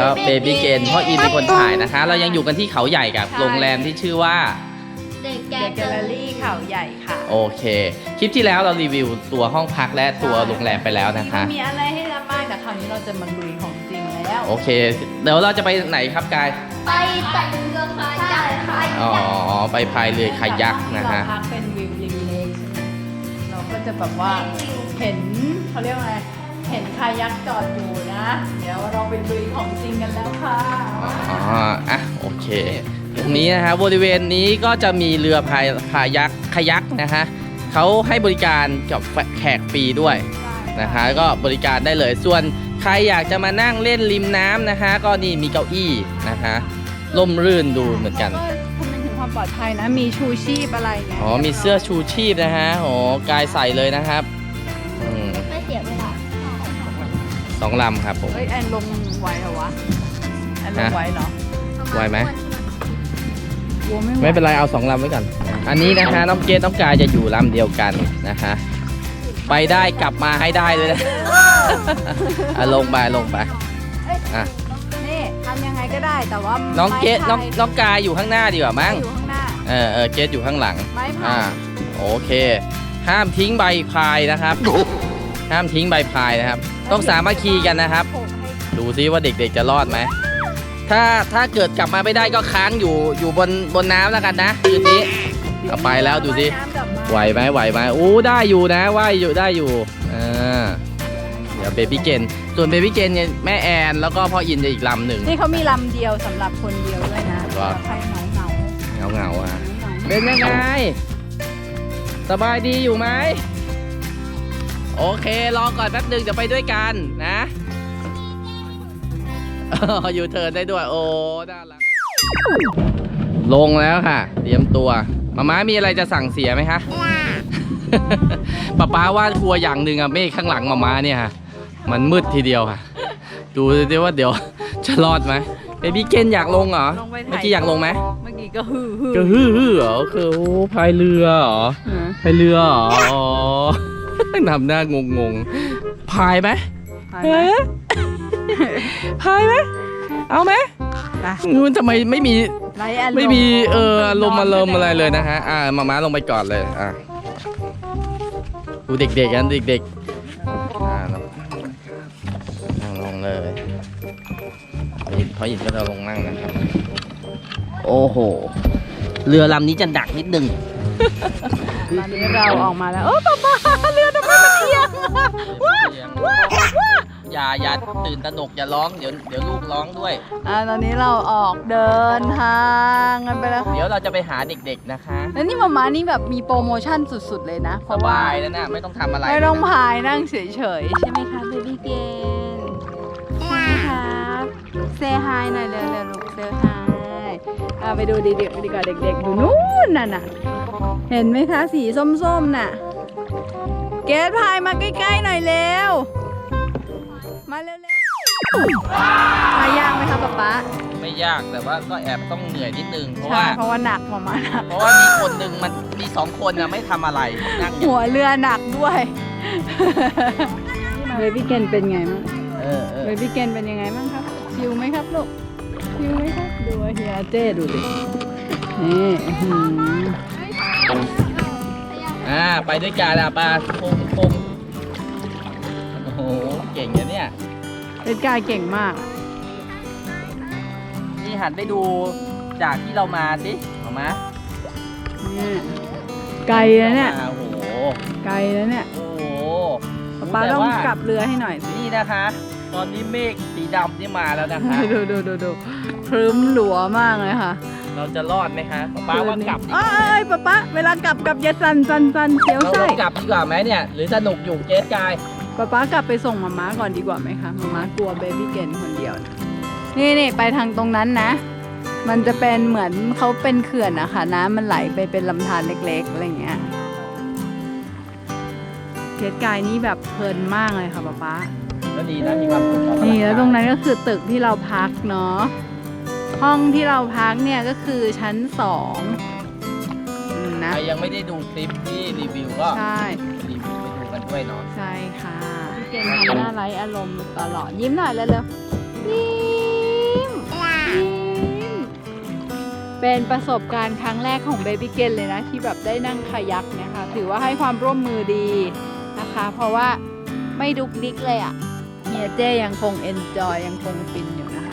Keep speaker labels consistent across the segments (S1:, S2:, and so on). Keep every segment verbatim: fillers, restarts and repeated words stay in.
S1: ก็เบบี้เกนพ่ออินเป็นคนถ่ายนะคะ เรายังอยู่กันที่เขาใหญ่กับโรงแรมที่ชื่อว่า
S2: เด็กแก
S3: เดอะแกลเลอรี่เขาใหญ่ค่ะ
S1: โอเคคลิปที่แล้วเรารีวิวตัวห้องพักและตัวโรงแรมไปแล้วนะคะ
S3: มีอะไรให้รับบ้างแต่คราวนี้เราจะมาลุยของจริงแล้ว
S1: โอเคเดี๋ยวเราจะไปไหนครับกาย
S2: ไปแต่งเรือคายักคา
S1: อ๋อ
S2: ยัก
S1: ไปพายเรือคายักนะฮะ
S3: เราพักเป็นวิวริมเลคใช่ไหมเราก็จะแบบว่าเห็นเขาเรียกว่าไงเห็นคายักจอดอยู่นะ เดี๋ยวเราไปลุยของจริงกันแล้วค่ะ
S1: อ๋ออ่ะโอเคตรงนี้นะฮะบริเวณนี้ก็จะมีเรือพายพายักคายักนะฮะเขาให้บริการกับแขกฟรีด้วยนะคะก็บริการได้เลยส่วนใครอยากจะมานั่งเล่นริมน้ำนะคะก็นี่มีเก้าอี้นะคะร่มรื่นดูเหมือนกัน
S3: ก็คำนึงถึงความปลอดภัยนะมีชูชีพอะไรเนี่ย
S1: อ๋อมีเสื้อชูชีพนะฮะโอ้กายใส่เลยนะครับอืม
S2: ไม่เสียเวลา
S1: สองลำครับผม
S3: เฮ้ยแอนลงไหวเหรอวะแอนลงไหวเหรอ
S1: ไหวไหม
S3: กลัวไม่ไหว
S1: ไม่เป็นไรเอาสองลำไว้ก่อนอันนี้นะคะน้องเกดน้องกายจะอยู่ลำเดียวกันนะคะไปได้กลับมาให้ได้เลยนะ อ่ะลงไปลงไปอ่ะ
S3: นี่ทำยังไงก็ได้แต่ว่า
S1: น้องเกด
S3: ไม้พาย
S1: น้องน้องกายอยู่ข้างหน้าดีกว่ามั้ง
S3: อยู่ข้างหน้า
S1: เออเออเกดอยู่ข้างหลัง
S3: ไม้พา
S1: อ่าย โอเค ห้ามทิ้งใบพายนะครับ ห้ามทิ้งใบพายนะครับ ต้องสามัคคีกันนะครับ
S3: โขกให้
S1: ดูซิว่าเด็กๆจะรอดไหมถ้าถ้าเกิดกลับมาไม่ได้ก็ค้างอยู่อยู่บนบนน้ำแล้วกันนะคืนนี้เอาไปแล้วดูสิ
S3: น้ำกลับมา
S1: ไหวไหมไหวไหมอู้ได้อยู่นะว่ายอยู่ได้อยู่อ่าเดี๋ยวเบบี้เกนส่วนเบบี้เกนเนี่ยแม่แอนแล้วก็พ่ออินจะอีกลำหนึ่ง
S3: นี่เขามีลำเดียวสำหรับคนเดียวด้วยนะ
S1: ว่า
S3: ใครเหงาเหงา
S1: เงาเงาๆอ่ะ
S3: ๆ
S1: เป็นยังไงสบายดีอยู่ไหมโอเครอก่อนแป๊บหนึ่งจะไปด้วยกันนะ อยู่เทิร์นได้ด้วยโอ้น่ารักลงแล้วค่ะเตรียมตัวมาม่ามีอะไรจะสั่งเสียไหมคะ ป๊าป๊าว่ากลัวอย่างหนึ่งอะเมฆข้างหลังมาม่าเนี่ยค่ะมันมืดทีเดียวค่ะ ดูดิว่าเดี๋ยว จะรอดไหมเบบี้เกนอยากลงเหรอ
S3: ลงไปถ่
S1: เมื่อกี้อยากลงไหม
S3: เมื่อกี้ก็ฮือฮือ
S1: ก็ฮือฮือเหรอคือโอ้พายเรือเหรอ
S3: อืม
S1: พายเรือเหรออ๋อ ทำหน้างงงๆพายไหม
S3: ไปไหม
S1: เอ๊ะพายไหมเอาไหม
S3: ไป
S1: งูทำไมไม่มี
S3: ไร้อารมณ์
S1: ไม่มีเอออารมณ์อารมณ์อะไรเลยนะฮะอ่ามาม้าลงไปก่อนเลยอ่ะดูเด็กๆกันเด็กๆอ่าลงนั่งลงเลยพอหยิบก็จะลงนั่งนะครับโอ้โหเรือลำนี้จะหนักนิดนึง
S3: ตอนนี้เราออกมาแล้วโอ้ป๊าป๊าเรือทำไมมันเอียงว้าว้าว้า
S1: อย่าอย่าตื่นตระหนกอย่าร้องเดี๋ยวเดี๋ยวลูกร้องด้วย
S3: อ่าตอนนี้เราออกเดินทางกันไปแล้วค่ะ
S1: เดี๋ยวเราจะไปหาเด็กๆนะคะ
S3: แล้วนี่มาม่านี่แบบมีโปรโมชั่นสุดๆเลยนะเพ
S1: ส
S3: ราะว่า
S1: บายแล้วนะไม่ต้องทำอะไร
S3: ไม่ต้อง
S1: เลยนะ
S3: พายนั่งเฉยๆใช่ไหมคะเบบี้เกนใช่ไหมครับเซฮายหน่อยเร็วๆลูกเซฮายอ่าไปดูดีๆดีกว่าเด็กๆดูนู่นน่ะน่ะเห็นไหมคะสีส้มๆน่ะเกดพายมาใกล้ๆหน่อยเร็วมาเร็วๆพายยากไหมคะป๊าป๊า
S1: ไม่ยากแต่ว่าก็แอบต้องเหนื่อยนิดนึงเพราะ
S3: ใช่
S1: ว่า
S3: เพราะว่าหนักมามาหนัก
S1: เพราะว่ามีคนหนึ่งมันมีสองคนนะไม่ทำอะไรนั่งอยู่
S3: หัวเรือหนักด้วยเบบี้เกนเป็นไงบ้าง
S1: เออเอ
S3: เบ
S1: อ
S3: บี้เกนเป็นยังไงบ้างครับชิวไหมครับลูกชิวไหมครับดูเฮียเจ้ดูดินี่อื้อหือ
S1: อ่าไปด้วยกันอ่ะปลาคงคงโอ้โหเก่งนะเนี่ย
S3: เล่นกายเก่งมาก
S1: นี่หันไปดูจากที่เรามาสิเอามา
S3: นี่ไกลแล้วเนี่ย
S1: โอ้โห
S3: ไกลแล้วเนี่ย
S1: โอ้โห
S3: ป๊า
S1: แต่
S3: ต้อง
S1: ว่าก
S3: ลับเรือให้หน่อยสิ
S1: นี่นะคะ ตอนนี้เมฆสีดำนี่มาแล้วนะคะ
S3: ดูดูดูดูพรึ้มหลัวมากเลยค่ะ
S1: เราจะรอดไหมคะป้าว่ากลับดีก
S3: เอ้
S1: ว่าย
S3: ป๊าป๊าเวลากลับกลับอย่าสั่นสั่นสั่นเสียว
S1: เรา
S3: ไส้
S1: ต้องกลับดีกว่าไหมเนี่ย หรือสนุกอยู่เจสกาย
S3: ป๊าป๊ากลับไปส่งมาม่าก่อนดีกว่าไหมคะมาม่ากลัวเบบี้เกนคนเดียวนะนี่นี่ไปทางตรงนั้นนะ มันจะเป็นเหมือนเขาเป็นเขื่อนอะค่ะน้ำมันไหลไปเป็นลำธารเล็กๆอะไรอย่างเงี้ยเกดกายนี่แบบเพลินมากเลยค่ะป๊าป๊า
S1: ก็ดีนะมีความสุข
S3: นี่แล้วตรงนั้นก็คือตึกที่เราพักเนาะห้องที่เราพักเนี่ยก็คือชั้นสองอืม
S1: ใค
S3: นะ
S1: รยังไม่ได้ดูคลิปที่รีวิวก็
S3: ใช่
S1: รีวิวไปดูกันด้วยเนาะ
S3: ใช่ค่ะพี่เกณฑ์ทำหน้าไร้อารมณ์ตลอดยิ้มหน่อยเร็วๆยิ้เป็นประสบการณ์ครั้งแรกของเบบี้เกนเลยนะที่แบบได้นั่งคายักเนี่ยค่ะถือว่าให้ความร่วมมือดีนะคะ เพราะว่าไม่ดุกดิกเลยอะ่ะเฮียเจ้ยังคงเอนจอยยังคงฟินอยู่นะคะ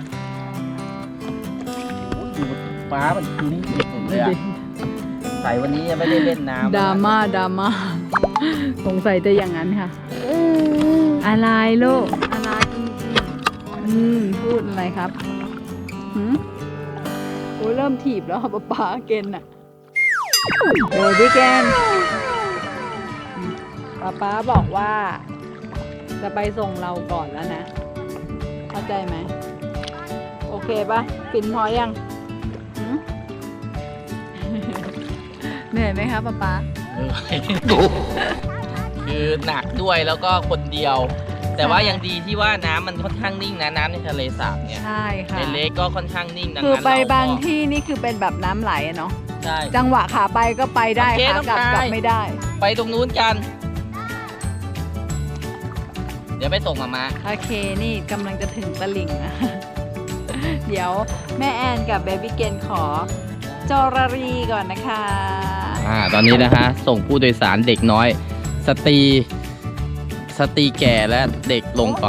S1: ฟ้ามันคุ้มสุดเลยอะใส่วันนี้ยังไม่ได้เล่นน้ำ
S3: ดราม่าดราม่าสงสัยจะอย่างนั้นค่ะอะไรลูกอะไรอืมพูดอะไรครับหืมโอ้ยเริ่มถีบแล้วป๊าป๊าเกนอะเบบี้เกนป๊าป๊าบอกว่าจะไปส่งเราก่อนแล้วนะเข้าใจไหมโอเคปะฟินพอยังหืม เหนื่อยไหมคะป๊าป๊า
S1: คือหนักด้วยแล้วก็คนเดียว แต่ว่ายังดีที่ว่าน้ำมันค่อนข้างนิ่งนะน้ำในทะเลสาบเนี่ย
S3: ใช่ค่ะ
S1: ในเลกก็ค่อนข้างนิ่งดัง
S3: คือ
S1: นั้น
S3: ไป
S1: เราก็
S3: บางที่นี่คือเป็นแบบน้ำไหลอะเนาะ
S1: ใช่
S3: จังหวะขาไปก็ไปได้
S1: โอเค
S3: ขากลับ
S1: ต้องไป
S3: กลับไม่ได้
S1: ไปตรงนู้นกัน เดี๋ยวไปส่งมามา
S3: โอเคนี่กำลังจะถึงตลิ่งนะ เดี๋ยวแม่แอนกับเบบี้เกนขอจอรรีก่อนนะคะ
S1: อ่าตอนนี้นะฮะส่งผู้โดยสารเด็กน้อย สตรีสตรีแก่และเด็กลงก่อน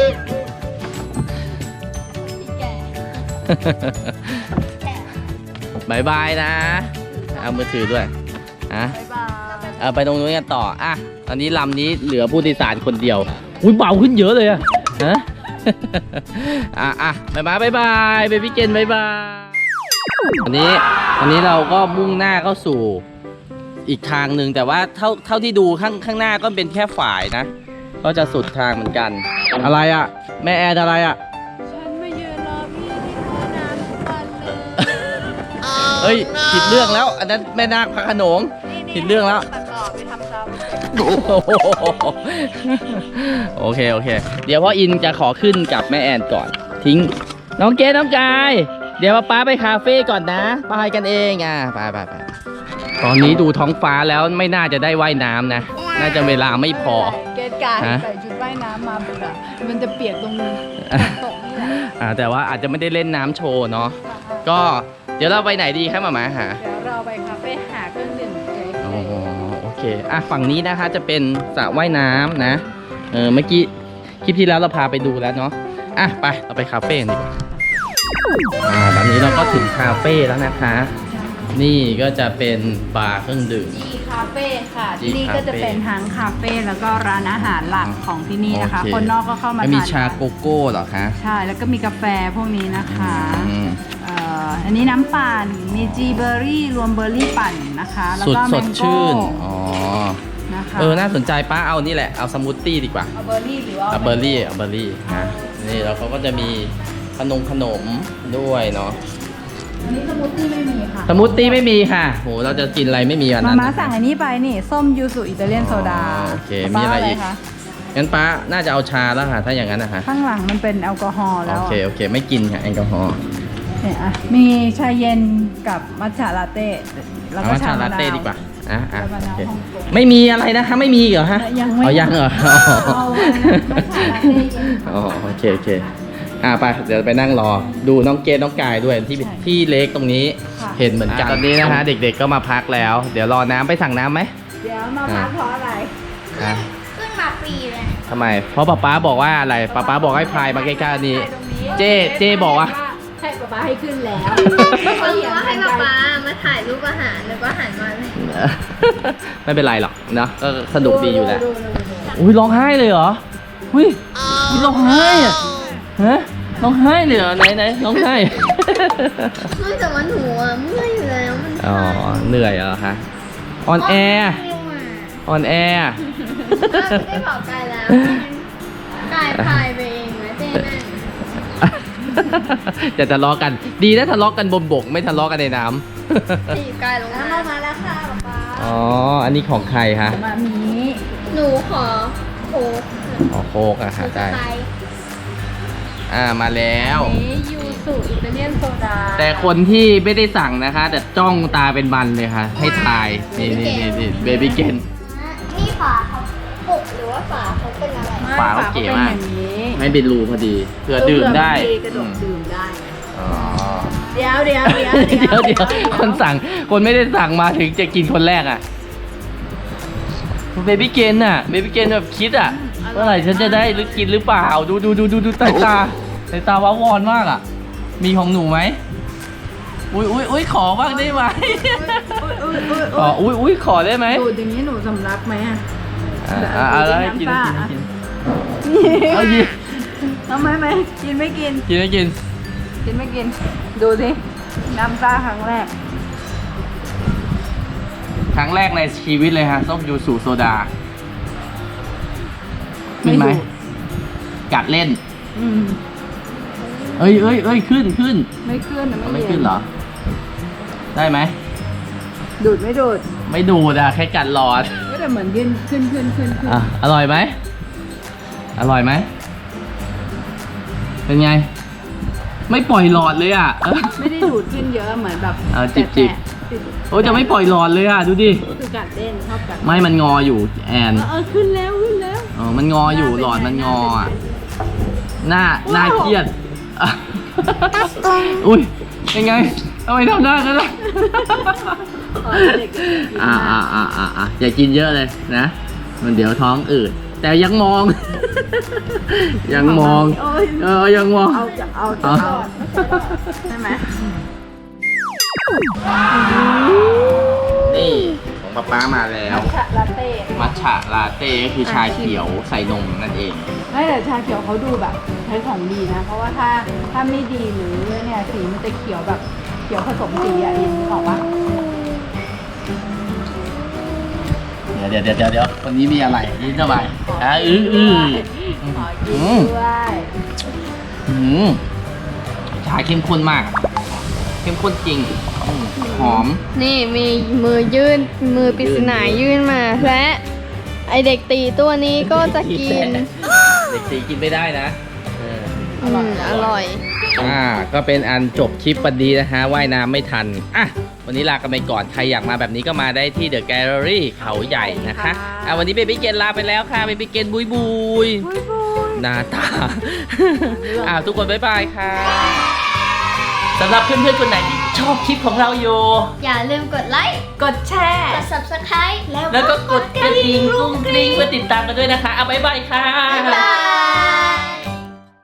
S1: บายบายนะ เอามือถือด้วยอ่ะ
S3: บ๊ายบาย
S1: เอาไปตรงนู้นกันต่ออ่ะตอนนี้ลำนี้เหลือผู้โดยสารคนเดียวอุ้ยเบาขึ้นเยอะเลยอะฮะ อ่ะอ่ะบายบายบายบายเบบี้เกนบายบายวันนี้วันนี้เราก็มุ่งหน้าเข้าสู่อีกทางหนึ่งแต่ว่าเท่าเท่าที่ดูข้างข้างหน้าก็เป็นแค่ฝ่ายนะ ก็จะสุดทางเหมือนกัน อะไรอ่ะ แม่แอร์อะไรอ่ะ
S3: ฉันมายืนรอพี่ที่ท่อน้ำทุกวันเลย
S1: เฮ้ยผิดเรื่องแล้ว อันนั้นแม่นาคพระโขนง ผิดเรื่องแล้ว
S3: ตัดต่อไปทำซ้ำ
S1: โอเคโอเค เดี๋ยวพ่ออินจะขอขึ้นกับแม่แอนก่อน ทิ้งน้องเกดน้องกาย เดี๋ยวป้าไปคาเฟ่ก่อนนะไปกันเองอ่ะไปไปไปตอนนี้ดูท้องฟ้าแล้วไม่น่าจะได้ว่ายน้ำนะ น่าจะเวลาไม่พอ
S3: เกดกาย
S1: ฮะ
S3: ใส่ชุดว่ายน้ำมาเบื่อมันจะเปียกตรงนี้ตกนี่แหละ
S1: อ่าแต่ว่าอาจจะไม่ได้เล่นน้ำโชว์เนาะก็เดี๋ยวเราไปไหนดีครับหมาหมาหา
S3: เดี๋ยวเราไปคาเฟ่หาเครื่องดื่มเก๋
S1: อ๋อโอเคอ่ะฝั่งนี้นะคะจะเป็นสระว่ายน้ำนะเออเมื่อกี้คลิปที่แล้วเราพาไปดูแล้วเนาะอ่ะไปเราไปคาเฟ่กันดีกว่าอ่าตอนนี้เราก็ถึงคาเฟ่แล้วนะคะ นี่ก็จะเป็นบาร์เครื่องดื่ม
S3: จีคาเฟ่ค่ะ
S1: G
S3: ที่นี่ก็จะเป็นทั้งคาเฟ่แล้วก็ร้านอาหารหลักของที่นี่นะคะ
S1: โอเค
S3: คนนอกก็เข้ามา
S1: แล้วมี
S3: ทาน
S1: ชาโกโก้เหรอคะ
S3: ใช่แล้วก็มีกาแฟพวกนี้นะคะ
S1: อืม
S3: เอ่ออันนี้น้ำปั่นมีจีเบอร์รี่รวมเบอร์รี่ปั่นนะคะแล้ว
S1: สุด
S3: ก็
S1: ส
S3: แม
S1: ด
S3: งโก้
S1: ชื่นอ๋อ
S3: นะคะ
S1: เออน่าสนใจป้าเอานี่แหละเอาสมูทตี้ดีกว่า
S3: เอาเบอร์รี่หรือว่า
S1: เอาเบอร์รี่เอาเบอร์รี่นะนี่แล้วเขาก็จะมีขนมขนมด้วยเนาะ
S3: อันนี้สมูทตี้ไม่มีค่ะ
S1: สมูทตี้ไม่มีค่ะโหเราจะกินอะไรไม่มีอัน
S3: มา
S1: นั้น
S3: ม่าสั่งอันนี้ไปนี่ส้มยูสุอิตาเลียนโซดา
S1: อ๋อโอเคมีอะไรอีก
S3: ป้าคะ
S1: งั้นป้าน่าจะเอาชาแล้วค่ะถ้าอย่างนั้นนะคะ
S3: ข้างหลังมันเป็นแอลกอฮอล์แล้ว
S1: โอเคโอเคไม่กินค่ะแอลกอฮอล์
S3: เนี่ยอ่ะมีชาเย็นกับมัทฉะลาเต้แล้ว
S1: เอา
S3: ก็
S1: ว่า
S3: ชา
S1: ชาม
S3: ะ
S1: ลาเต้
S3: นาว
S1: ดีกว่าอ่ะอ่ะ
S3: ชามะนาว
S1: โอเค
S3: ฮ่องกง
S1: ไม่มีอะไรนะคะไม่มีเหรอฮะ
S3: ยังไม่
S1: อ๋อยังเหรอ
S3: เอาไว้นะมัทฉะลาเต้เย็น
S1: อ๋อโอเคโอเคอ่ะไปเดี๋ยวไปนั่งรอดูน้องเกดน้องกายด้วยที่ที่เล็กตรงนี้
S3: ค่ะ
S1: เห็นเหมือนกันตอนนี้นะฮะเด็กๆก็มาพักแล้ว เดี๋ยวรอน้ำไปสั่งน้ำไหม
S3: เดี๋ยวมาพักเพราะอะไร
S1: อ่ะ
S2: ขึ้นมาฟรีเลย
S1: ทำไมเพราะป๊าป๊าบอกว่าอะไรป๊าป๊าบอกให้พายมาใกล้ๆนี้ เจ๊เจ๊บอกว่า
S3: ให้ป๊าป๊าให้ขึ้นแล้ว
S2: เขาบอกว่าให้ป๊าป๊ามาถ่ายรูปอาหารแล้วก็หันมาเลย
S1: ไม่เป็นไรหรอกเนอะก็สนุกดีอยู่แล้ว
S3: ดูดูดูดู
S1: อุ้ยร้องไห้เลยเหรออุ้ยอุ๊ยร้องไห้อะฮะร้องไห้เลยเหรอไหนไหนร้องไห้
S2: เมื่อแต่วันหัวเมื่อยอยู่แล้วมัน
S1: อ๋อเหนื่อยเหรอคะออนแอร์
S2: เร็วอ่ะ
S1: ออนแอร์
S2: ก็ได้บอกกายแล้วกายพายไปเองนะเจ๊นั่น
S1: จะทะเลาะกันดีนะทะเลาะกันบนบกไม่ทะเลาะกันในน้ำ
S2: ถีบกายลงมามาแล้วค่ะป๊าป๊า
S1: อ๋ออันนี้ของใครคะ
S3: มามี
S2: หนูขอโค้ก
S1: อ๋อโคกอะค่ะได้
S2: ไป
S1: อ่ามาแล้ว
S3: อันนี้ยูสุอิตาเลียนโซดา
S1: แต่คนที่ไม่ได้สั่งนะคะ แต่จ้องตาเป็นบันเลยค่ะ ให้ทายนี่นี่นี่นี่เบบี้เกน
S2: นี่ฝาเขาปุกหรือว่าฝาเขาเป็นอะไร
S3: ไม่
S1: ฝาเขาเก๋มาก
S3: เป็นอย่างนี้
S1: ไม่เป็นรูพอดีเผื่อดื่มได้
S3: เผื่อบางทีกระดกดื่มได้
S1: อ๋อ
S3: เดี๋ยวเดี๋ยวเดี๋ยว
S1: เดี๋ยวเดี๋ยวคนสั่งคนไม่ได้สั่งมาถึงจะกินคนแรกอ่ะเบบี้เกนน่ะเบบี้เกนแบบคิดอ่ะเมื่อไหร่ฉันจะได้หรือกินหรือเปล่าดูดูดูดูดูสายตาสายตาว้าวอนมากอ่ะมีของหนูไหมอุ้ยอุ้ยอุ้ยขอบ้างได้ไหม
S3: อุ้ยอุ้ย
S1: ขออุ้ยอุ้ยขอได้ไหม
S3: ดูดอย่างนี้หนูสำลักไหมอ่ะ
S1: อ่าอ่าอะไรกินกินกินเอายิ
S3: ทำไมไหมกินไม่กิน
S1: กินไม่กิน
S3: กินไม่กิน ดูสิน้ำซ่าครั้งแรก
S1: ครั้งแรกในชีวิตเลยฮะส้มยูสุโซดาขึ้นไหม
S3: ไม่ดู
S1: กัดเล่น
S3: อืม
S1: เอ้ยเอ้ยเอ้ยขึ้นขึ้น
S3: ไม่ขึ้นนะ
S1: มัน
S3: ไม่
S1: ไม่
S3: เย็
S1: ขึ้นเหรอ ได้ไหม
S3: ดูดไม่ดูด
S1: ไม่ดูดอะแค่กัดหลอด
S3: ก็แต่เหมือนขึ้นขึ้นขึ้นขึ้นขึ้น
S1: อ่ะอร่อยไหมอร่อยไหมเป็นไง ไม่ปล่อยหลอดเลยอ่ะเออ
S3: ไม่ได้ดูดขึ้นเยอะเหมือนแบบ
S1: เอาจิบจิบ
S3: แตะๆจิบ
S1: โอ้ยจะไม่ปล่อยหลอดเลยอ่ะดูดิ
S3: คือกัดเล่นชอบกัด
S1: ไม่มันงออยู่แอน
S3: เออเออขึ้นแล้วขึ้นแล้ว
S1: เออมันงออยู่หลอดมันงออ่ะหน้าหน้าเครียดอ่ะอุ้ยเป็นไงทำไมทำหน้ากันล่ะ
S3: อ๋อเด็กๆ
S1: อ่าอ่าอ่าอ่าอ่าอย่ากินเยอะเลยนะ มันเดี๋ยวท้องอืดแต่ยังมอง ยังมอง
S3: โอ้ย
S1: เออยังมอง
S3: เอาจะเอาจะ
S1: เอา
S3: รอดใช่ไหม
S1: นี่ของป๊าป๊ามาแล้ว
S3: มัทฉะลาเต้
S1: มัทฉะลาเต้ก็คือชาเขียวใส่นมนั่นเอง
S3: ไม่แต่ชาเขียวเขาดูแบบใช้ของดีนะ เพราะว่าถ้าถ้าไม่ดีหรือเนี่ยสีมันจะเขียวแบบเขียวผสมสีอ่ะอินออกปะ
S1: เดี๋ยวเดี๋ยวเดี๋ยวเดี๋ยววันนี้มีอะไรนี่ทำไมอ่ะอื้ออื้อ
S3: ขอกินด้วย
S1: อืมชาเข้มข้นมาก เข้มข้นจริงอืมหอม
S2: นี่มีมือยื่นมือปริศนายื่นมา และไอเด็กตีตัวนี้ก็จะกิน
S1: เด็กสีกินไม่ได้นะเออ
S2: อืมอร่อย
S1: อ่าก็เป็นอันจบคลิปวันนี้นะฮะว่ายน้ำไม่ทันอ่ะวันนี้ลากันไปก่อนใครอยากมาแบบนี้ก็มาได้ที่เดอะแกลเลอรี่เขาใหญ่นะคะอ่ะวันนี้เบบี้เกนลาไปแล้วค่ะเบบี้เกนบุยบุย
S3: บุยบุย
S1: หน้าตา อ่าทุกคนบ๊ายบายค่ะสำหรับเพื่อนๆคนไหนที่ชอบคลิปของเราอยู่
S2: อย่าลืมกดไลค์
S3: กดแชร์
S2: กด subscribe แล้ว
S1: แล้วก็กดกระดิ่งกุ้งกริ้งเพื่อติดตามกันด้วยนะคะเอาบ๊ายบายค่ะ
S2: บ๊ายบาย